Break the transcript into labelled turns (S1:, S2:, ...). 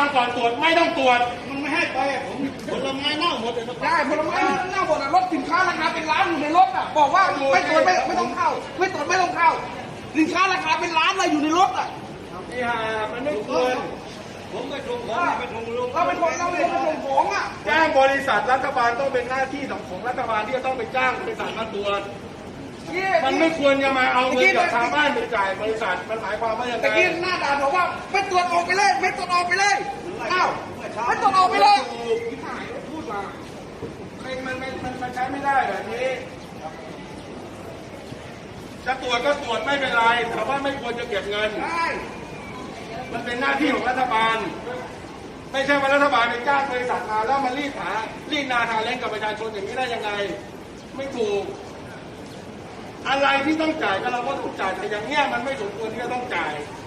S1: งก่อนตรวจไม่ต้องตรวจ
S2: มันไม่ให้ไปผมผลไม้เน่าหมดเลย
S3: ได้ผลไม้เน่าหมดรถสินค้าราคาเป็นล้านอยู่ในรถอ่ะบอกว่าไม่ตรวจไม่ต้องเข้าไม่ตรวจไม่ต้องเข้าสินค้าราคาเป็นล้านเลยอยู่ในรถอ่ะ
S1: นี่ฮะมันไม่ควร
S2: ผมไปส่งของไปส่งลุง
S3: เราเป็นคนเราเป็นคนส่งของอ่ะ
S1: จ้างบริษัทรัฐบาลต้องเป็นหน้าที่ของรัฐบาลที่จะต้องไปจ้างบริษัทมาตรวจมันไม่ควรจะมาเอาเงินจากทางบ้านไปจ่ายบริษัทมันหมายความว่าอย่างไร
S3: ตะกี้หน้าด่านบอกว่าไม่ตรวจออกไปเลยไม่ตรวจออกไปเลยอ้าวไม่ตรวจออกไปเลยพูดมา
S1: มันใช้ไม่ได้แบบนี้จะตรวจก็ตรวจไม่เป็นไรแต่ว่าไม่ควรจะเก็บเงินมันเป็นหน้าที่ของรัฐบาลไม่ใช่ว่ารัฐบาลไปจ้างบริษัทมาแล้วมารีดนาทาเล่นกับประชาชนอย่างนี้ได้ยังไงไม่ถูกอะไรที่ต้องจ่ายก็เราก็ต้องจ่ายแต่อย่างเนี้ยมันไม่สมควรที่จะต้องจ่าย